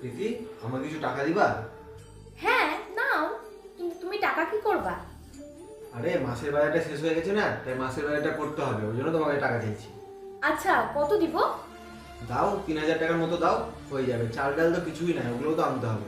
প্রীতি, আমাকে কিছু টাকা দিবা? হ্যাঁ নাও, কিন্তু তুমি টাকা কি করবা? আরে মাসের বাজারটা শেষ হয়ে গেছে না, তাই মাসের বাজারটা করতে হবে, ওই জন্য তোমাকে টাকা চাইছি। আচ্ছা, কত দিব? দাও, 3,000 টাকার মতো দাও, হয়ে যাবে। চাল ডাল তো কিছুই নাই, ওগুলোও তো আনতে হবে।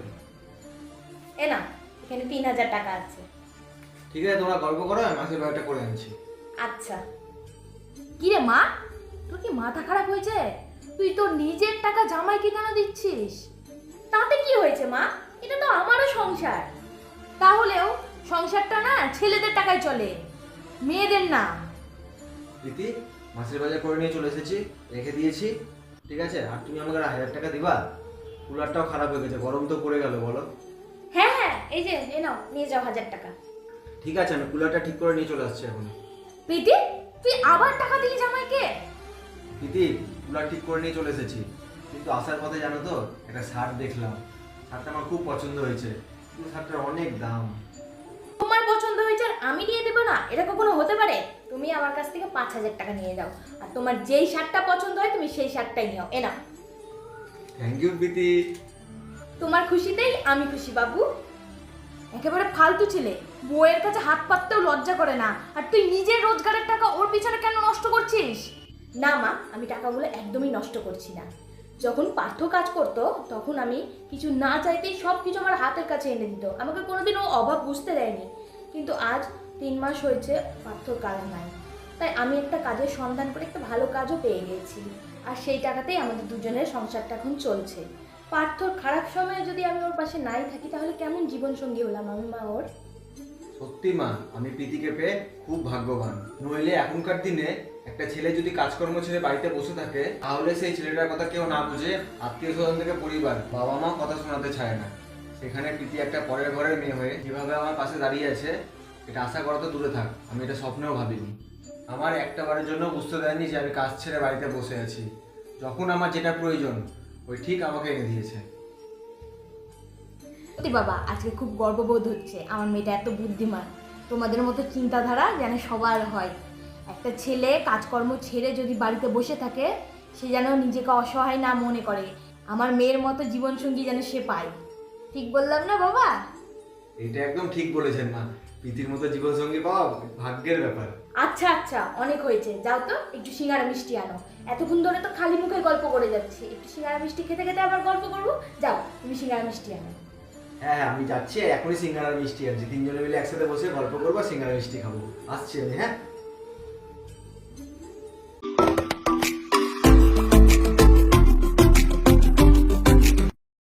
এ না, এখানে 3,000 টাকা আছে। ঠিক আছে, তোমরা গল্প করো, আমি মাসের বাজারটা করে আনছি। আচ্ছা। কি রে মা, তোর কি মাথা খারাপ হয়েছে? তুই তোর নিজের টাকা জামাইকে কেন দিচ্ছিস? তাতে কি হয়েছে মা? এটা তো আমারও সংসার। তাহলেও সংসারটা না ছেলেদের টাকায় চলে, মেয়েদের না। প্রীতি, মাসের বাজার করে নিয়ে চলে এসেছি, রেখে দিয়েছি। ঠিক আছে, আর তুমি আমাকে 1,000 টাকা দিবা? কুলারটাও খারাপ হয়ে গেছে, গরম তো পড়ে গেল, বলো। হ্যাঁ হ্যাঁ, এই যে এ নাও, নিয়ে যাও 1,000 টাকা। ঠিক আছে, আমি কুলারটা ঠিক করে নিয়ে চলে আসছি এখন। প্রীতি, তুই আবার টাকা দিলি জামাইকে? প্রীতি, কুলার ঠিক করে নিয়ে চলে এসেছি, কিন্তু আসার পথে জানো তো একটা শার্ট দেখলাম। শার্টটা আমার খুব পছন্দ হয়েছে, কিন্তু শার্টটার অনেক দাম। তোমার পছন্দ হয়েছে আর আমি নিয়ে দেবো না, এটা কখনো হতে পারে? তুমি আমার কাছ থেকে 5,000 টাকা নিয়ে যাও, আর তোমার যেই শার্টটা পছন্দ হয় তুমি সেই শার্টটাই নিও। এ নাও। Thank you Preeti. তোমার খুশিতেই আমি খুশি বাবু। একেবারে ফালতু ছেলে, বউয়ের কাছে হাত পাততেও লজ্জা করে না, আর তুই নিজের রোজগারের টাকা ওর পিছনে কেন নষ্ট করছিস? না মা, আমি টাকাগুলো একদমই নষ্ট করছি না। যখন পার্থ কাজ করতো তখন আমি কিছু না চাইতেই সব কিছু আমার হাতের কাছে এনে দিত, আমাকে কোনোদিনও অভাব বুঝতে দেয়নি। কিন্তু আজ 3 মাস হয়েছে পার্থর কাজ নাই, তাই আমি একটা কাজের সন্ধান করে একটা ভালো কাজও পেয়ে গেছি, আর সেই টাকাতেই আমাদের দুজনের সংসারটা এখন চলছে। পার্থর খারাপ সময়ে যদি আমি ওর পাশে নাই থাকি তাহলে কেমন জীবনসঙ্গী হলাম আমি মা ওর? সত্যি মা, আমি প্রীতিকে পেয়ে খুব ভাগ্যবান। নইলে এখনকার দিনে একটা ছেলে যদি কাজকর্ম ছেড়ে বাড়িতে বসে থাকে, তাহলে সেই ছেলেটার কথা কেউ না বুঝে আত্মীয় স্বজন থেকে পরিবার, বাবা মা কথা শোনাতে চায় না। সেখানে প্রীতি একটা পরের ঘরের মেয়ে হয়ে যেভাবে আমার পাশে দাঁড়িয়ে আছে, এটা আশা করা তো দূরে থাক, আমি এটা স্বপ্নেও ভাবিনি। আমার একটা বারের জন্য বুঝতে দেয়নি যে আমি কাজ ছেড়ে বাড়িতে বসে আছি। যখন আমার যেটা প্রয়োজন, ওই ঠিক আমাকে এনে দিয়েছে। সত্যি বাবা, আজকে খুব গর্ববোধ হচ্ছে আমার মেয়েটা এত বুদ্ধিমান। তোমাদের মতো চিন্তাধারা যেন সবার হয়। একটা ছেলে কাজকর্ম ছেড়ে যদি বাড়িতে বসে থাকে, সে যেন নিজেকে অসহায় না মনে করে, আমার মেয়ের মতো জীবনসঙ্গী যেন সে পায়। ঠিক বললাম না বাবা? এটা একদম ঠিক বলেছেন মা, প্রীতির মতো জীবনসঙ্গী পাওয়া ভাগ্যের ব্যাপার। আচ্ছা আচ্ছা, অনেক হয়েছে, যাও তো একটু সিঙ্গারা মিষ্টি আনো। এতক্ষণ ধরে তো খালি মুখে গল্প করে যাচ্ছি, একটু সিঙ্গারা মিষ্টি খেতে খেতে আবার গল্প করবো। যাও তুমি সিঙ্গারা মিষ্টি আনো। হ্যাঁ হ্যাঁ, আমি যাচ্ছি, এখনই সিঙ্গারা মিষ্টি আনছি, তিনজনে মিলে একসাথে বসে গল্প করবো, সিঙ্গারা মিষ্টি খাবো। আসছি আমি, হ্যাঁ।